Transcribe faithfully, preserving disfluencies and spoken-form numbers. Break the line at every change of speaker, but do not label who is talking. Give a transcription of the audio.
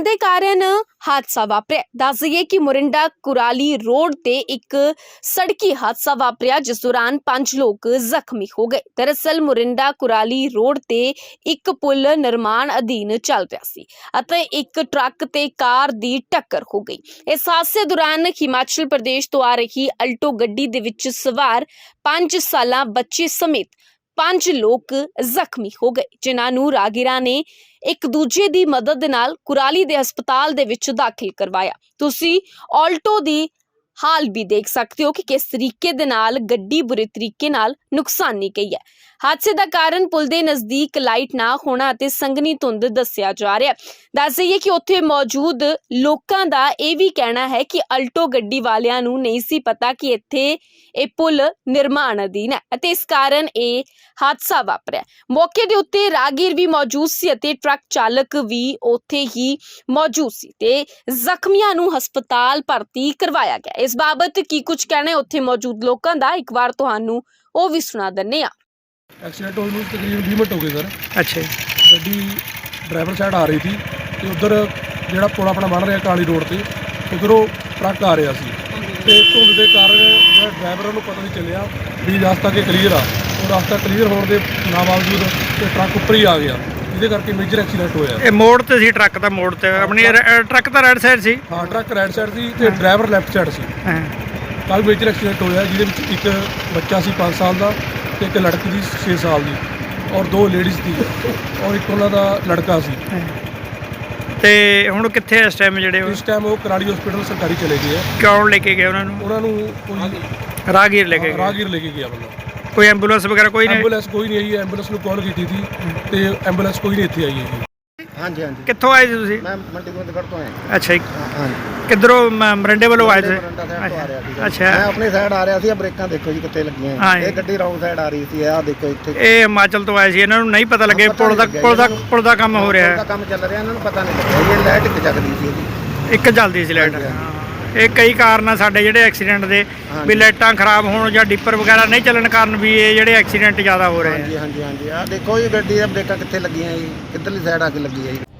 ਦੇ ਕਾਰਨ ਹਾਦਸਾ ਵਾਪਰਿਆ। ਦੱਸ ਦਈਏ ਕਿ ਮੋਰਿੰਡਾ ਕੁਰਾਲੀ ਰੋਡ ਤੇ ਇੱਕ ਸੜਕੀ ਹਾਦਸਾ ਵਾਪਰਿਆ, ਜਿਸ ਦੌਰਾਨ ਪੰਜ ਲੋਕ ਜ਼ਖਮੀ ਹੋ ਗਏ। ਦਰਅਸਲ ਮੋਰਿੰਡਾ ਕੁਰਾਲੀ ਰੋਡ ਤੇ ਇੱਕ ਪੁਲ ਨਿਰਮਾਣ ਅਧੀਨ ਚੱਲ ਰਿਹਾ ਸੀ ਅਤੇ ਇੱਕ ਟਰੱਕ ਤੇ ਕਾਰ ਦੀ ਟੱਕਰ ਹੋ ਗਈ। ਇਸ ਹਾਦਸੇ ਦੌਰਾਨ ਹਿਮਾਚਲ ਪ੍ਰਦੇਸ਼ ਤੋਂ ਆ ਰਹੀ ਅਲਟੋ ਗੱਡੀ ਦੇ ਵਿੱਚ ਸਵਾਰ ਪੰਜ ਸਾਲਾਂ ਬੱਚੇ ਸਮੇਤ ਪੰਜ ਲੋਕ ਜ਼ਖਮੀ ਹੋ ਗਏ, ਜਿਨ੍ਹਾਂ ਨੂੰ ਰਾਹਗੀਰਾਂ ਨੇ ਇੱਕ ਦੂਜੇ ਦੀ ਮਦਦ ਦੇ ਨਾਲ ਕੁਰਾਲੀ ਦੇ ਹਸਪਤਾਲ ਦੇ ਵਿੱਚ ਦਾਖਲ ਕਰਵਾਇਆ। ਤੁਸੀਂ ਆਲਟੋ ਦੀ ਹਾਲ ਵੀ ਦੇਖ ਸਕਦੇ ਹੋ ਕਿ ਕਿਸ ਤਰੀਕੇ ਦੇ ਨਾਲ ਗੱਡੀ ਬੁਰੇ ਤਰੀਕੇ ਨਾਲ ਨੁਕਸਾਨੀ ਗਈ ਹੈ। ਹਾਦਸੇ ਦਾ ਕਾਰਨ ਪੁਲ ਦੇ ਨਜ਼ਦੀਕ ਲਾਈਟ ਨਾ ਹੋਣਾ ਅਤੇ ਸੰਘਣੀ ਧੁੰਦ ਦੱਸਿਆ ਜਾ ਰਿਹਾ ਹੈ। ਦੱਸ ਦਈਏ ਕਿ ਉੱਥੇ ਮੌਜੂਦ ਲੋਕਾਂ ਦਾ ਇਹ ਵੀ ਕਹਿਣਾ ਹੈ ਕਿ ਅਲਟੋ ਗੱਡੀ ਵਾਲਿਆਂ ਨੂੰ ਨਹੀਂ ਸੀ ਪਤਾ ਕਿ ਇੱਥੇ ਇਹ ਪੁਲ ਨਿਰਮਾਣ ਅਧੀਨ ਹੈ ਅਤੇ ਇਸ ਕਾਰਨ ਇਹ ਹਾਦਸਾ ਵਾਪਰਿਆ। ਮੌਕੇ ਦੇ ਉੱਤੇ ਰਾਹਗੀਰ ਵੀ ਮੌਜੂਦ ਸੀ ਅਤੇ ਟਰੱਕ ਚਾਲਕ ਵੀ ਉੱਥੇ ਹੀ ਮੌਜੂਦ ਸੀ ਤੇ ਜ਼ਖਮੀਆਂ ਨੂੰ ਹਸਪਤਾਲ ਭਰਤੀ ਕਰਵਾਇਆ ਗਿਆ। ਇਸ ਬਾਬਤ ਕੀ ਕੁਝ ਕਹਿਣਾ ਹੈ ਉੱਥੇ ਮੌਜੂਦ ਲੋਕਾਂ ਦਾ, ਇੱਕ ਵਾਰ ਤੁਹਾਨੂੰ ਉਹ ਵੀ ਸੁਣਾ ਦਿੰਦੇ ਹਾਂ।
एक्सीडेंट होने में तकरीबन बीस मिनट हो गए सर।
अच्छा
गड्डी ड्राइवर साइड आ रही थी तो उधर ਜਿਹੜਾ ਪੁਲ ਆਪਣਾ ਬਣ ਰਿਹਾ ਕਾਲੀ ਰੋਡ ਤੇ ਉਧਰੋਂ ਟਰੱਕ ਆ ਰਿਹਾ ਸੀ ਤੇ ਧੁੰਦ ਦੇ ਕਾਰਨ ਜਿਹੜਾ ਡਰਾਈਵਰ ਨੂੰ ਪਤਾ ਨਹੀਂ ਚੱਲਿਆ ਵੀ ਰਸਤਾ ਕਿ ਕਲੀਅਰ ਆ। ਉਹ ਰਸਤਾ ਕਲੀਅਰ ਹੋਣ ਦੇ ਨਾ ਬਾਵਜੂਦ ਤੇ ਟਰੱਕ ਉੱਪਰ ਹੀ ਆ ਗਿਆ, ਜਿਹਦੇ ਕਰਕੇ ਮੇਜਰ ਐਕਸੀਡੈਂਟ ਹੋਇਆ।
ਇਹ ਮੋੜ ਤੇ ਸੀ, ਟਰੱਕ ਦਾ ਮੋੜ ਤੇ ਆਪਣੀ ਟਰੱਕ ਤਾਂ ਰਾਈਟ ਸਾਈਡ ਸੀ।
ਹਾਂ, ਟਰੱਕ ਰਾਈਟ ਸਾਈਡ ਸੀ ਤੇ ਡਰਾਈਵਰ ਲੈਫਟ ਸਾਈਡ ਸੀ।
ਹਾਂ,
ਕੱਲ ਮੇਜਰ ਐਕਸੀਡੈਂਟ ਹੋਇਆ, ਜਿਹਦੇ ਵਿੱਚ ਇੱਕ ਬੱਚਾ ਸੀ ਪੰਜ ਸਾਲ ਦਾ ਤੇ ਇੱਕ ਲੜਕੀ ਦੀ ਛੇ ਸਾਲ ਦੀ ਔਰ ਦੋ ਲੇਡੀਜ਼ ਦੀ ਔਰ ਇੱਕ ਉਹਨਾਂ ਦਾ ਲੜਕਾ ਸੀ।
ਤੇ ਹੁਣ ਕਿੱਥੇ ਇਸ ਟਾਈਮ ਜਿਹੜੇ
ਇਸ ਟਾਈਮ ਉਹ ਕਰਾਲੀ ਹਸਪੀਟਲ ਸਰਕਾਰੀ ਚਲੇ ਗਏ ਆ।
ਕੌਣ ਲੈ ਕੇ ਗਏ ਉਹਨਾਂ ਨੂੰ?
ਉਹਨਾਂ ਨੂੰ ਕੋਈ
ਰਾਹਗੀਰ ਲੈ ਕੇ ਗਏ।
ਰਾਹਗੀਰ ਲੈ ਕੇ ਗਿਆ ਬੰਦਾ।
ਕੋਈ ਐਂਬੂਲੈਂਸ ਵਗੈਰਾ ਕੋਈ ਨਹੀਂ?
ਐਂਬੂਲੈਂਸ ਕੋਈ ਨਹੀਂ ਆਈ। ਐਂਬੂਲੈਂਸ ਨੂੰ ਕਾਲ ਕੀਤੀ ਸੀ ਤੇ ਐਂਬੂਲੈਂਸ ਕੋਈ ਨਹੀਂ ਇੱਥੇ ਆਈ ਹੈ।
ਹਾਂਜੀ ਹਾਂਜੀ।
ਕਿੱਥੋਂ ਆਏ ਸੀ ਤੁਸੀਂ?
ਮੈਂ ਮੰਡੀ ਗੋਬਿੰਦਗੜ੍ਹ ਤੋਂ ਆਇਆ।
ਅੱਛਾ ਜੀ,
ਹਾਂਜੀ।
ਕਿੱਧਰੋਂ? ਮਰਿੰਡੇ ਵੱਲੋਂ ਆਏ ਸੀ?
ਅੱਛਾ, ਮੈਂ ਆਪਣੀ ਸਾਈਡ ਆ ਰਿਹਾ ਸੀ। ਬ੍ਰੇਕਾਂ ਦੇਖੋ ਜੀ ਕਿੱਥੇ ਲੱਗੀਆਂ। ਇਹ ਗੱਡੀ ਰੌਂਗ ਸਾਈਡ ਆ ਰਹੀ ਸੀ। ਆਹ ਦੇਖੋ ਇੱਥੇ
ਇਹ ਹਿਮਾਚਲ ਤੋਂ ਆਏ ਸੀ, ਇਹਨਾਂ ਨੂੰ ਨਹੀਂ ਪਤਾ ਲੱਗੇ ਪੁਲ ਦਾ ਪੁਲ ਦਾ ਪੁਲ ਦਾ ਕੰਮ ਹੋ ਰਿਹਾ ਹੈ।
ਕੰਮ ਚੱਲ ਰਿਹਾ, ਇਹਨਾਂ ਨੂੰ ਪਤਾ ਨਹੀਂ ਲੱਗਿਆ। ਇਹ ਲਾਈਟ ਇੱਕ ਜਗਦੀ ਸੀ ਇਹਦੀ,
ਇੱਕ ਜਲਦੀ ਸੀ ਲਾਈਟ। ਇਹ ਕਈ ਕਾਰਨ ਆ ਸਾਡੇ ਜਿਹੜੇ ਐਕਸੀਡੈਂਟ ਦੇ, ਵੀ ਲਾਈਟਾਂ ਖਰਾਬ ਹੋਣ ਜਾਂ ਡਿੱਪਰ ਵਗੈਰਾ ਨਹੀਂ ਚੱਲਣ ਕਾਰਨ ਵੀ ਇਹ ਜਿਹੜੇ ਐਕਸੀਡੈਂਟ ਜ਼ਿਆਦਾ ਹੋ ਰਹੇ ਆ।
ਹਾਂਜੀ ਹਾਂਜੀ ਹਾਂਜੀ। ਆਹ ਦੇਖੋ ਜੀ ਗੱਡੀ ਦੀਆਂ ਬ੍ਰੇਕਾਂ ਕਿੱਥੇ ਲੱਗੀਆਂ ਜੀ, ਕਿੱਧਰਲੀ ਸਾਈਡ ਆ ਕੇ ਲੱਗੀ ਹੈ ਜੀ।